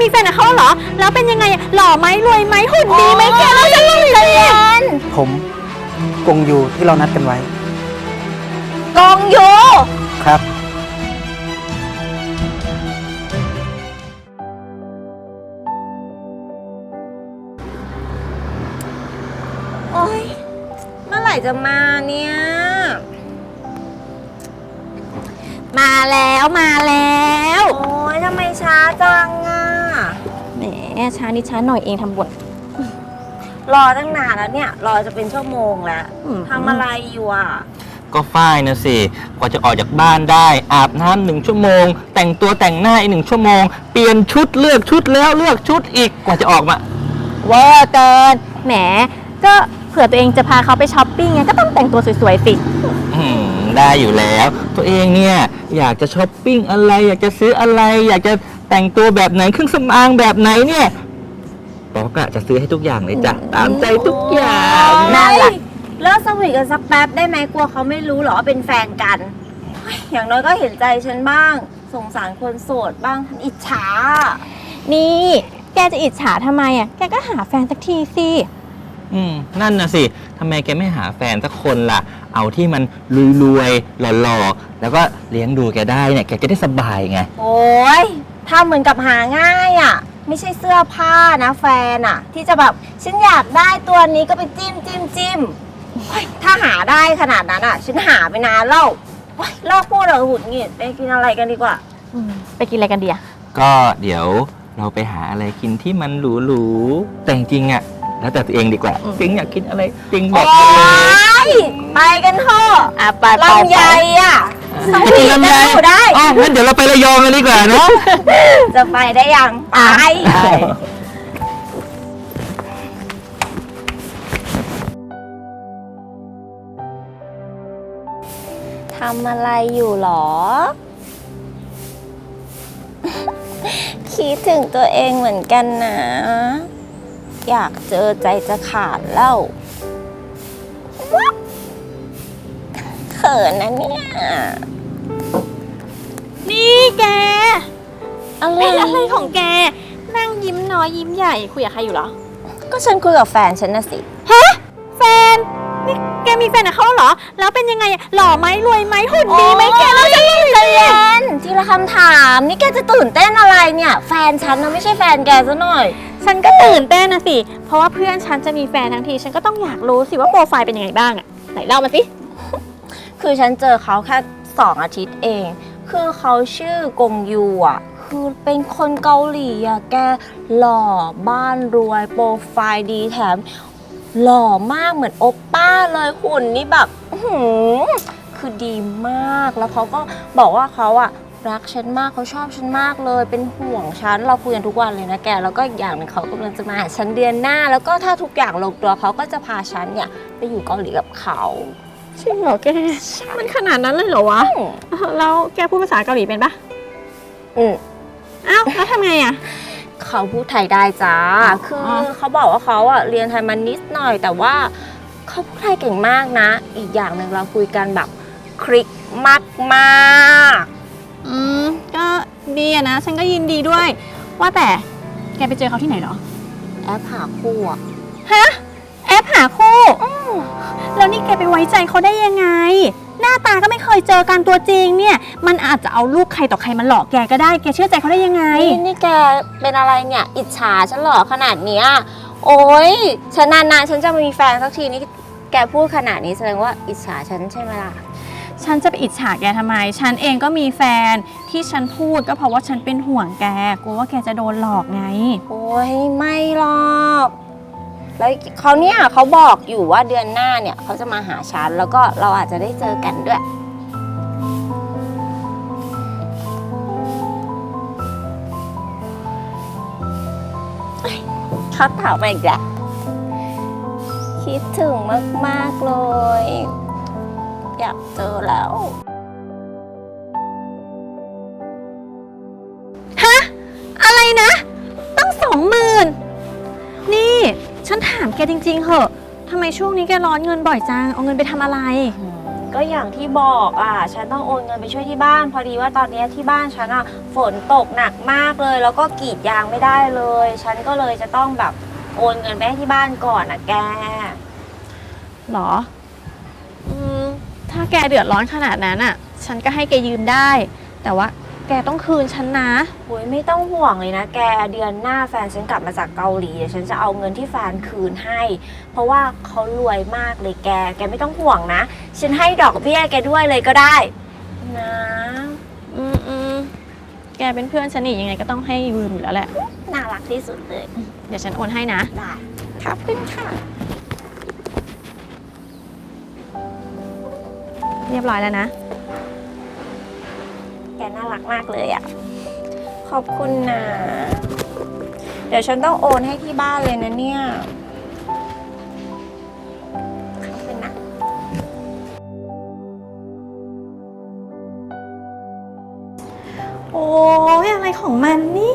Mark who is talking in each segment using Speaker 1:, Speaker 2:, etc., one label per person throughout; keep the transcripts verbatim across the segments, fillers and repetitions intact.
Speaker 1: มีแฟนกับเขาเหรอแล้วเป็นยังไงหล่อไหมรวยไหมหุ่นดีไหมแกเราจะเล่าอีกเลย
Speaker 2: ผมกงยูที่เรานัดกันไว้
Speaker 3: กองยู
Speaker 2: ครับ
Speaker 3: โอ๊ยเมื่อไหร่จะมาเนี่ย
Speaker 1: มาแล้วมาแล้ว
Speaker 3: โอ๊ยทำไมช้าจังอ่ะ
Speaker 1: แหมช้านิดช้าหน่อยเองทำบท
Speaker 3: รอตั้งนานแล้วเนี่ยรอจะเป็นชั่วโมงแล้ว
Speaker 1: อืม
Speaker 3: ทำอะไรอยู่อ่ะ
Speaker 4: ก็ฝ้ายนะสิกว่าจะออกจากบ้านได้ อาบน้ำหนึ่งชั่วโมง แต่งตัวแต่งหน้าอีกหนึ่งชั่วโมง เปลี่ยนชุดเลือกชุดแล้วเลือกชุดอีกกว่าจะออกมา
Speaker 1: เวอร์เกินแหมก็เผื่อตัวเองจะพาเขาไปช้อปปิ้งไงก็ต้องแต่งตัวสวยๆสิ
Speaker 4: อืมได้อยู่แล้ว ตัวเองเนี่ยอยากจะช้อปปิ้งอะไร อยากจะซื้ออะไร อยากจะแต่งตัวแบบไหนเครื่องสำอางแบบไหนเนี่ยป๊อกอะจะซื้อให้ทุกอย่างเลยจ้ะตามใจทุกอย่าง
Speaker 3: นั่นแหละเลิกสวีทกันสักแป๊บได้ไหมกลัวเขาไม่รู้หรอว่าเป็นแฟนกันเฮ้ยอย่างน้อยก็เห็นใจฉันบ้าง สงสารคนโสดบ้างอิจฉา
Speaker 1: นี่แกจะอิจฉาทำไมอ่ะแกก็หาแฟนสักทีสิ
Speaker 4: อืมนั่นน่ะสิทำไมแกไม่หาแฟนสักคนล่ะ เอาที่มันรวยๆหล่อๆแล้วก็เลี้ยงดูแกได้เนี่ยแกจะได้สบายไง
Speaker 3: โอ้ยถ้าเหมือนกับหาง่ายอ่ะ ไม่ใช่เสื้อผ้านะแฟนอ่ะ ที่จะแบบฉันอยากได้ตัวนี้ก็ไปจิ้มจิ้มจิ้มเฮ้ยถ้าหาได้ขนาดนั้นอ่ะ ฉันหาไปนานแล้วเฮ้ยเลิกพูดเลยหุดหงิดไปกินอะไรกันดีกว่า
Speaker 1: ไปกินอะไรกันดีอ่ะ
Speaker 4: ก็เดี๋ยวเราไปหาอะไรกินที่มันหรูๆแต่จริงๆอะแล้วแต่ตัวเองดีกว่า
Speaker 1: อืม
Speaker 4: จริงอยากกินอะไรจริงบ
Speaker 3: โอ๊
Speaker 4: อกเลย
Speaker 3: ยไปกันเถอะ
Speaker 1: อ่ะไปไป
Speaker 3: ลำไยอ่ะส
Speaker 4: ไป
Speaker 3: วี
Speaker 4: กิน
Speaker 3: ท
Speaker 4: ลำ
Speaker 3: กั
Speaker 4: ไย
Speaker 3: นอยู่ได้
Speaker 4: อ๋องั้นเดี๋ยวเราไประยองกันดีกว่าเนาะ
Speaker 3: จะไปได้ยังไปทำอะไรอยู่หรอ คิดถึงตัวเองเหมือนกันนะ อยากเจอใจจะขาดแล้วเขินนะเนี่ย
Speaker 1: นี่แก
Speaker 3: อะไร
Speaker 1: เป็นอะไรของแกนั่งยิ้มน้อยยิ้มใหญ่คุยกับใครอยู่เหรอ
Speaker 3: ก็ฉันคุยกับแฟนฉันนะสิ
Speaker 1: ฮะแฟนนี่แกมีแฟนกับเขาเหรอแล้วเป็นยังไงหล่อไหมรวยไหมหุ่นดีไหมแกเราจะเล่าอีกเลย
Speaker 3: แฟนทีละคำถามนี่แกจะตื่นเต้นอะไรเนี่ย แฟนฉันนะไม่ใช่แฟนแกซะหน่อย
Speaker 1: ฉันก็ตื่นเต้นนะสิเพราะว่าเพื่อนฉันจะมีแฟนทั้งทีฉันก็ต้องอยากรู้สิว่าโปรไฟล์เป็นยังไงบ้างอะไหนเล่ามาสิ
Speaker 3: คือฉันเจอเขาแค่สองอาทิตย์เอง คือเขาชื่อกงยูอ่ะ คือเป็นคนเกาหลีอ่ะ แกหล่อบ้านรวยโปรไฟล์ดีแถม หล่อมากเหมือนโอปป้าเลยหุ่นนี่แบบอื้อหือคือดีมากแล้วเขาก็บอกว่าเขาอ่ะรักฉันมากเขาชอบฉันมากเลย เป็นห่วงฉันเราคุยกันทุกวันเลยนะแกแล้วก็อีกอย่างหนึงเขากำลังจะมาหาฉันเดือนหน้า แล้วก็ถ้าทุกอย่างลงตัวเขาก็จะพาฉันเนี่ยไปอยู่เกาหลีกับเขา
Speaker 1: จริงเหรอแกมันขนาดนั้นเลยเหรอวะแล้วแกพูดภาษาเกาหลีเป็นปะ
Speaker 3: อืม
Speaker 1: อ้าวแล้วทำไงอะ
Speaker 3: เขาพูดไทยได้จ้า
Speaker 1: อ๋อ
Speaker 3: คือเขาบอกว่าเขาอ่ะเรียนไทยมานิดหน่อย แต่ว่าเขาพูดไทยเก่งมากนะ อีกอย่างหนึ่งเราคุยกันแบบคลิกมากมากๆ
Speaker 1: อืมก็ดีอะนะฉันก็ยินดีด้วย ว่าแต่แกไปเจอเขาที่ไหนเหรอ
Speaker 3: แอปหาคู่อะ
Speaker 1: ฮะแอปหาคู่แล้วนี่แกไปไว้ใจเขาได้ยังไง หน้าตาก็ไม่เคยเจอกันตัวจริงเนี่ย มันอาจจะเอารูปใครต่อใครมาหลอกแกก็ได้แกเชื่อใจเขาได้ยังไง
Speaker 3: นี่นี่แกเป็นอะไรเนี่ย อิจฉาฉันเหรอขนาดเนี้ยโอ๊ยฉันนานๆฉันจะมีแฟนสักทีนี่แกพูดขนาดนี้แสดงว่าอิจฉาฉันใช่ไหมล่ะ
Speaker 1: ฉันจะไปอิจฉาแกทำไม ฉันเองก็มีแฟนที่ฉันพูดก็เพราะว่าฉันเป็นห่วงแกกลัวว่าแกจะโดนหลอกไง
Speaker 3: โอ๊ยไม่หรอกแล้วเขาเนี่ยเขาบอกอยู่ว่าเดือนหน้าเนี่ยเขาจะมาหาฉันแล้วก็เราอาจจะได้เจอกันด้วยเขาถามมาอีกแล้วคิดถึงมากๆเลย อยากเจอแล้ว
Speaker 1: ฮะอะไรนะตั้งสองหมื่นนี่ฉันถามแกจริงๆเหอะทำไมช่วงนี้แกร้อนเงินบ่อยจังเอาเงินไปทำอะไร
Speaker 3: อืมก็อย่างที่บอกอ่ะฉันต้องโอนเงินไปช่วยที่บ้าน พอดีว่าตอนนี้ที่บ้านฉันอ่ะฝนตกหนักมากเลย แล้วก็กรีดยางไม่ได้เลย ฉันก็เลยจะต้องแบบโอนเงินไปให้ที่บ้านก่อนอ่ะแก
Speaker 1: หรอ อืม ถ้าแกเดือดร้อนขนาดนั้นอ่ะ ฉันก็ให้แกยืมได้ แต่ว่าแกต้องคืนฉันนะ
Speaker 3: โอ้ยไม่ต้องห่วงเลยนะแก เดือนหน้าแฟนฉันกลับมาจากเกาหลีเดี๋ยวฉันจะเอาเงินที่แฟนคืนให้ เพราะว่าเขารวยมากเลยแก แกไม่ต้องห่วงนะ ฉันให้ดอกเบี้ยแกด้วยเลยก็ได้นะ
Speaker 1: อืมอืมแกเป็นเพื่อนฉันนี่ยังไงก็ต้องให้ยืมอยู่แล้วแหละ
Speaker 3: น่ารักที่สุดเลย
Speaker 1: เดี๋ยวฉันโอนให้นะ
Speaker 3: ได้ขอบคุณค่ะ
Speaker 1: เรียบร้อยแล้วนะ
Speaker 3: แกน่ารักมากเลยอ่ะ ขอบคุณนะ เดี๋ยวฉันต้องโอนให้ที่บ้านเลยนะเนี่ย ขอบคุณนะ
Speaker 1: โอ้ยอะไรของมันเนี่ย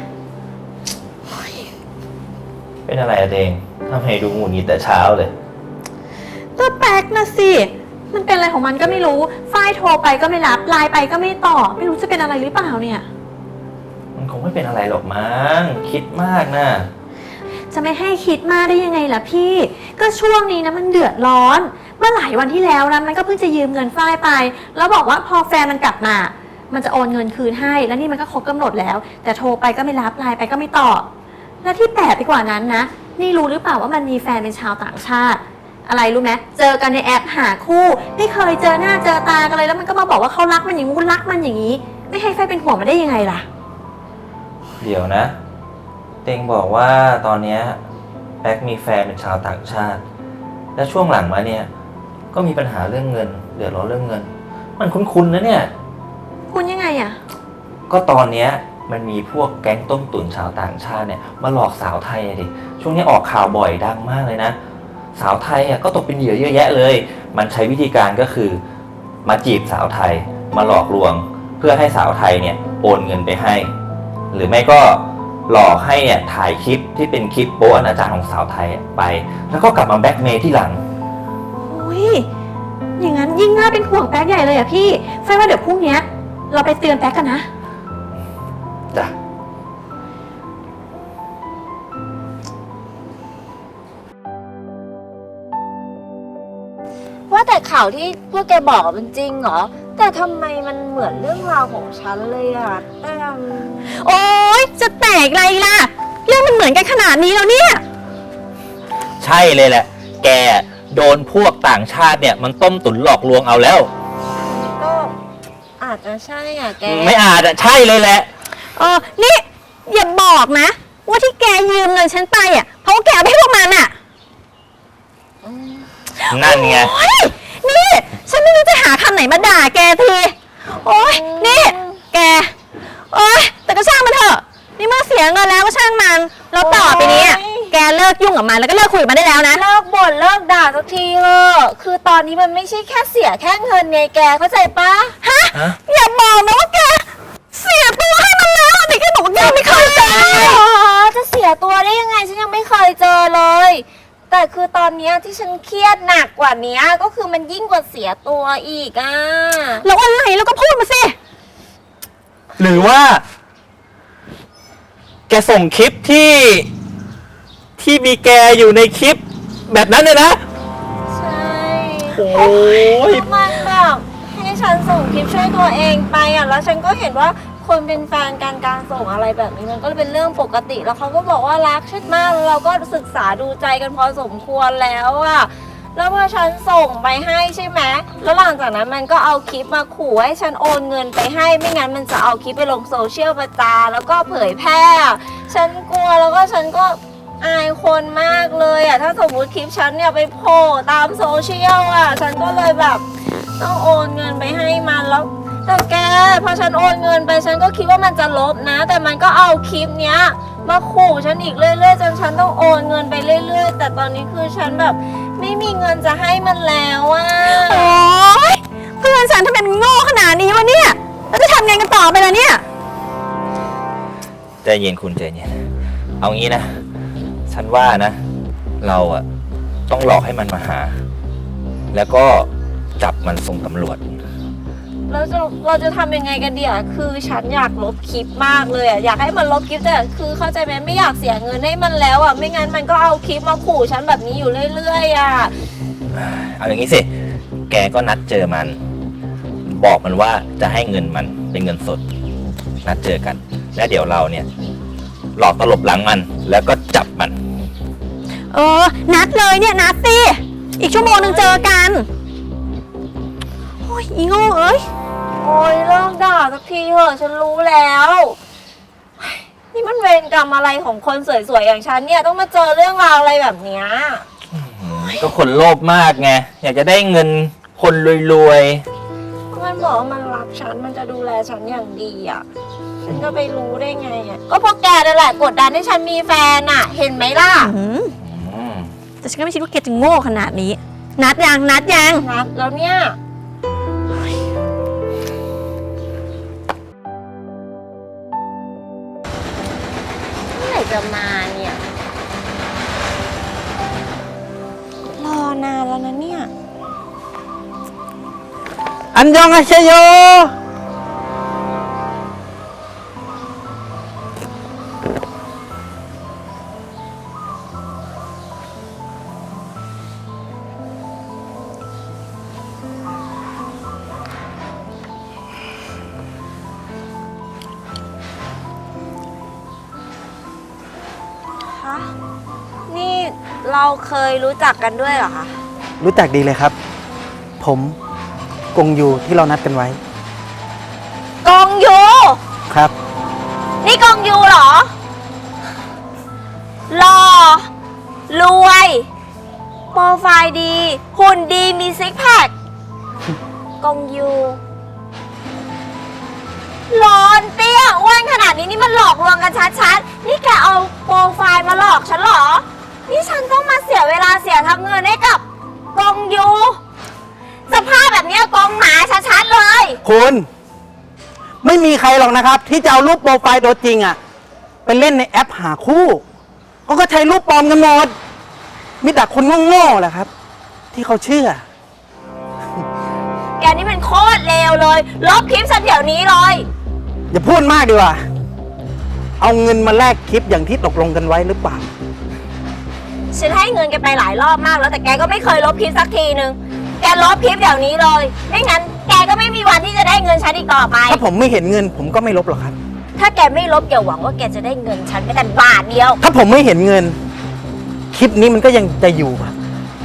Speaker 4: เป็นอะไรอะเดงทำไมดูหงุดหงิดแต่เช้าเลย
Speaker 1: ก็แป๊กนะสิ มันเป็นอะไรของมันก็ไม่รู้ ฝ้ายโทรไปก็ไม่รับ ไลน์ไปก็ไม่ตอบ ไม่รู้จะเป็นอะไรหรือเปล่าเนี่ย
Speaker 4: มันคงไม่เป็นอะไรหรอกมั้งคิดมากนะ
Speaker 1: จะไม่ให้คิดมากได้ยังไงล่ะพี่ ก็ช่วงนี้นะมันเดือดร้อน เมื่อหลายวันที่แล้วนะมันก็เพิ่งจะยืมเงินฝ้ายไป แล้วบอกว่าพอแฟนมันกลับมา มันจะโอนเงินคืนให้ แล้วนี่มันก็ครบกำหนดแล้ว แต่โทรไปก็ไม่รับ ไลน์ไปก็ไม่ตอบ และที่แปลกไปกว่านั้นนะ นี่รู้หรือเปล่าว่ามันมีแฟนเป็นชาวต่างชาติ อะไรรู้ไหมเจอกันในแอปหาคู่ ไม่เคยเจอหน้าเจอตากันเลย แล้วมันก็มาบอกว่าเขารักมันอย่างงู้นรักมันอย่างนี้ ไม่ให้แฟนเป็นห่วงมันได้ยังไงล่ะ
Speaker 4: เดี๋ยวนะ เตงบอกว่าตอนเนี้ยแบ็คมีแฟนเป็นชาวต่างชาติ และช่วงหลังมาเนี่ย ก็มีปัญหาเรื่องเงิน เดือดร้อนเรื่องเงิน มันคุ้นๆนะเนี่ย
Speaker 1: คุณยังไงอะ
Speaker 4: ก็ตอนเนี้ยมันมีพวกแก๊งต้มตุ๋นชาวต่างชาติเนี่ยมาหลอกสาวไทยอะดิ ช่วงนี้ออกข่าวบ่อยดังมากเลยนะ สาวไทยอ่ะก็ตกเป็นเหยื่อเยอะแยะเลย มันใช้วิธีการก็คือมาจีบสาวไทย มาหลอกลวง เพื่อให้สาวไทยเนี่ยโอนเงินไปให้ หรือไม่ก็หลอกให้เนี่ยถ่ายคลิปที่เป็นคลิปโป๊อนาจารของสาวไทยไป แล้วก็กลับมาแบล็กเมย์ที่หลัง
Speaker 1: อุ้ยอย่างนั้นยิ่งน่าเป็นห่วงแป๊กใหญ่เลยอะพี่แฟนว่าเดี๋ยวพรุ่งเนี้ยเราไปเตือนแป๊กกันนะ
Speaker 4: จ้ะ
Speaker 3: ว่าแต่ข่าวที่พวกแกบอกมันจริงเหรอ แต่ทำไมมันเหมือนเรื่องราวของฉันเลยอะแต่
Speaker 1: โอ๊ยจะแตกอะไรล่ะ เรื่องมันเหมือนกันขนาดนี้แล้วเนี่ย
Speaker 4: ใช่เลยแหละ แกโดนพวกต่างชาติเนี่ยมันต้มตุ๋นหลอกลวงเอาแล้ว
Speaker 3: ก็อาจจะใช่อ่ะแก
Speaker 4: ไม่อาจอะใช่เลยแหละ
Speaker 1: เออ นี่อย่าบอกนะ ว่าที่แกยืมเงินฉันไปอะเพราะว่าแกเอาไปให้พวกมันอะ
Speaker 4: นั่นไง
Speaker 1: โอ๊ยนี่ฉันไม่รู้จะหาคำไหนมาด่าแกที โอ๊ยนี่แก โอ๊ยแต่ก็ช่างมันเถอะ นี่เมื่อเสียเงินแล้วก็ช่างมัน แล้วต่อไปนี้อะแกเลิกยุ่งกับมันแล้วก็เลิกคุยกับมันได้แล้วนะ
Speaker 3: เลิกบ่นเลิกด่าสักทีเถอะคือตอนนี้มันไม่ใช่แค่เสียแค่เงินไงแกเข้าใจปะ
Speaker 1: ฮะ
Speaker 4: ฮะ
Speaker 1: อย่าบอกนะว่าแกเสียตัวให้มันแล้วแต่แกบอกว่าแกไม่เคยเจอ
Speaker 3: อ๋อจะเสียตัวได้ยังไงฉันยังไม่เคยเจอเลย แต่คือตอนเนี้ยที่ฉันเครียดหนักกว่านี้ก็คือมันยิ่งกว่าเสียตัวอีกอ่ะ
Speaker 1: แล้วอะไรแล้วก็พูดมาสิ
Speaker 4: หรือว่า แกส่งคลิปที่ ที่มีแกอยู่ในคลิปแบบนั้นเลยนะ
Speaker 3: ใช่
Speaker 4: โอ้ย
Speaker 3: มันแบบให้ฉันส่งคลิปช่วยตัวเองไปอ่ะแล้วฉันก็เห็นว่าคนเป็นแฟนกันการส่งอะไรแบบนี้มันก็เป็นเรื่องปกติแล้วเขาก็บอกว่ารักฉันมากแล้วเราก็ศึกษาดูใจกันพอสมควรแล้วอ่ะแล้วพอฉันส่งไปให้ใช่ไหมแล้วหลังจากนั้นมันก็เอาคลิปมาขู่ให้ฉันโอนเงินไปให้ไม่งั้นมันจะเอาคลิปไปลงโซเชียลประจานแล้วก็เผยแพร่อะฉันกลัวแล้วก็ฉันก็อายคนมากเลยอ่ะถ้าสมมติคลิปฉันเนี่ยไปโผล่ตามโซเชียลอ่ะฉันก็เลยแบบต้องโอนเงินไปให้มันแล้วแต่แกพอฉันโอนเงินไปฉันก็คิดว่ามันจะลบนะ แต่มันก็เอาคลิปเนี้ยมาขู่ฉันอีกเรื่อยๆจนฉันต้องโอนเงินไปเรื่อยๆแต่ตอนนี้คือฉันแบบไม่มีเงินจะให้มันแล้วอ่ะ
Speaker 1: โอ๊ยเพื่อนฉันทำไมมันโง่ขนาดนี้วะเนี่ยแล้วจะทำไงกันต่อไปล่ะเนี่ย
Speaker 4: ใจเย็นคุณใจเย็น เอางี้นะ ฉันว่านะ เราอะต้องหลอกให้มันมาหา แล้วก็จับมันส่งตำรวจ
Speaker 3: แล้วจะเราจะทำยังไงกันเดี๋ยวคือฉันอยากลบคลิปมากเลยอ่ะอยากให้มันลบคลิปแต่คือเข้าใจไหมไม่อยากเสียเงินให้มันแล้วอ่ะไม่งั้นมันก็เอาคลิปมาขู่ฉันแบบนี้อยู่เรื่อยๆอ่ะ
Speaker 4: เอาอย่างนี้สิ แกก็นัดเจอมัน บอกมันว่าจะให้เงินมันเป็นเงินสด นัดเจอกัน แล้วเดี๋ยวเราเนี่ย หลอกตลบหลังมัน แล้วก็จับมัน
Speaker 1: เออ นัดเลยเนี่ย นัดสิ อีกชั่วโมงหนึ่งเจอกัน โอ้ยอีโง่เอ้ย
Speaker 3: โอ้ยเลิกด่าสักทีเถอะฉันรู้แล้วเฮ้ยนี่มันเวรกรรมอะไรของคนสวยๆอย่างฉันเนี่ยต้องมาเจอเรื่องราวอะไรแบบเนี้ย
Speaker 4: ก็คนโลภมากไง อยากจะได้เงินคนรวย
Speaker 3: มันบอกว่ามันรักฉันมันจะดูแลฉันอย่างดีอ่ะฉันก็ไปรู้ได้ไงอ่ะก็เพราะแกนั่นแหละกดดันให้ฉันมีแฟนอ่ะ เห็นไหมล่ะ
Speaker 1: อืม
Speaker 4: ๆอืม
Speaker 1: แต่ฉันก็ไม่คิดว่าแกจะโง่ขนาดนี้ นัดยัง นัดยัง
Speaker 3: นัดแล้วเนี่ยเมื่อไหร่จะมาเนี่ย รอนานแล้วนะเนี่ย
Speaker 2: อันยองอาเชโย
Speaker 3: คะ นี่เราเคยรู้จักกันด้วยเหรอคะ
Speaker 2: รู้จักดีเลยครับ ผมกงยูที่เรานัดกันไว้
Speaker 3: กองยู
Speaker 2: ครับ
Speaker 3: นี่กองยูเหรอหล่อรวย โปรไฟล์ดี หุ่นดีมีซิกแพคกองยูร้อนเตี้ยอ้วนขนาดนี้นี่มันหลอกลวงกันชัดๆ นี่แกเอาโปรไฟล์มาหลอกฉันเหรอ นี่ฉันต้องมาเสียเวลาเสียทั้งเงินให้กับกองยูสภาพแบบเนี้ยกองหมาชัดๆเลย
Speaker 2: คุณ ไม่มีใครหรอกนะครับ ที่จะเอารูปโปรไฟล์ตัวจริงอะไปเล่นในแอปหาคู่เขาก็ใช้รูปปลอมกันหมดมีแต่คนโง่ๆแหละครับ ที่เขาเชื่อ
Speaker 3: แกนี่มันโคตรเลวเลย ลบคลิปฉันเดี๋ยวนี้เลย
Speaker 2: อย่าพูดมากดีกว่า เอาเงินมาแลกคลิปอย่างที่ตกลงกันไว้หรือเปล่า
Speaker 3: ฉันให้เงินแกไปหลายรอบมากแล้วแต่แกก็ไม่เคยลบคลิปสักทีนึง แกลบคลิปเดี๋ยวนี้เลย ไม่งั้นแกก็ไม่มีวันที่จะได้เงินฉันอีกต่อไป
Speaker 2: ถ้าผมไม่เห็นเงิน ผมก็ไม่ลบหรอกครับ
Speaker 3: ถ้าแกไม่ลบอย่าหวังว่าแกจะได้เงินฉันแม้แต่บาทเดียว
Speaker 2: ถ้าผมไม่เห็นเงิน คลิปนี้มันก็ยังจะอยู่ครับ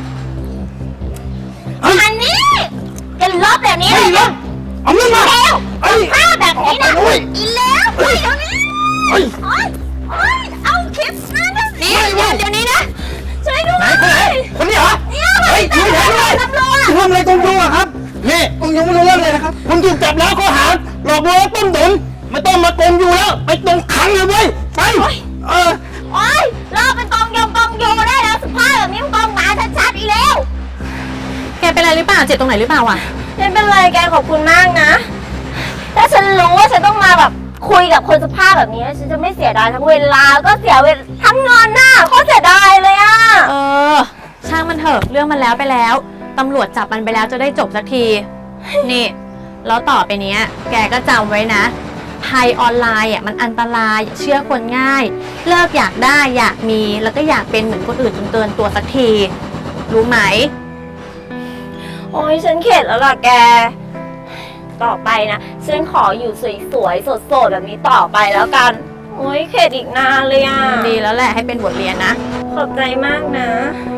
Speaker 3: อันนี้แกลบเดี๋ยวนี้เลยนะ
Speaker 2: เอาเงินมา
Speaker 3: เร็ว
Speaker 2: เอ้ย
Speaker 3: ภาพแบบนี้นะ
Speaker 2: เอาไปด้วย
Speaker 3: อีแล้วไปเดี๋ยวนี้
Speaker 2: เฮ้ย
Speaker 3: โอ๊ยโอ๊ยเอาคลิปนั้นนะนี่
Speaker 2: ไม่ไม่
Speaker 3: เดี๋ยวนี้นะช่วยด้วย
Speaker 2: ไหนคนไหนคนนี้เหรอ
Speaker 3: เนี่ย
Speaker 2: เฮ้ย
Speaker 3: ตำรวจ
Speaker 2: ช่วยด้วย
Speaker 3: ตำรวจ
Speaker 2: ทำอะไรกงยูอะครับ นี่กงยูไม่รู้เรื่องเลยนะครับคุณถูกจับแล้วข้อหาหลอกลวงและต้มตุ๋นไม่ต้องมากงยูแล้ว ไปตรงขังเลยเว้ยไปเออ
Speaker 3: โอ๊ยเราเป็นกองยงกองยูได้แล้วสภาพแบบนี้มันกองหมาชัดๆอีกแล้ว
Speaker 1: แกเป็นอะไรหรือเปล่า เจ็บตรงไหนหรือเปล่าอ่ะ
Speaker 3: ไม่เป็นไรแกขอบคุณมากนะ ถ้าฉันรู้ว่าฉันต้องมาแบบคุยกับคนสภาพแบบนี้ฉันจะไม่เสียดายทั้งเวลาก็เสียเวลาทั้งเงินน่ะโคตรเสียดายเลยอ่ะ
Speaker 1: เออ ช่างมันเถอะ เรื่องมันแล้วไปแล้ว ตำรวจจับมันไปแล้วจะได้จบสักที นี่ แล้วต่อไปเนี้ย แกก็จำไว้นะ ภัยออนไลน์อ่ะมันอันตรายอย่าเชื่อคนง่าย เลิกอยากได้อยากมี แล้วก็อยากเป็นเหมือนคนอื่นจนเกินตัวสักที รู้ไหม
Speaker 3: โอ้ยฉันเข็ดแล้วล่ะแก ต่อไปนะฉันขออยู่สวยๆสดๆแบบนี้ต่อไปแล้วกันโอ้ยเข็ดอีกนานเลยอ่ะ
Speaker 1: ดีแล้วแหละให้เป็นบทเรียนนะ
Speaker 3: ขอบใจมากนะ
Speaker 1: อ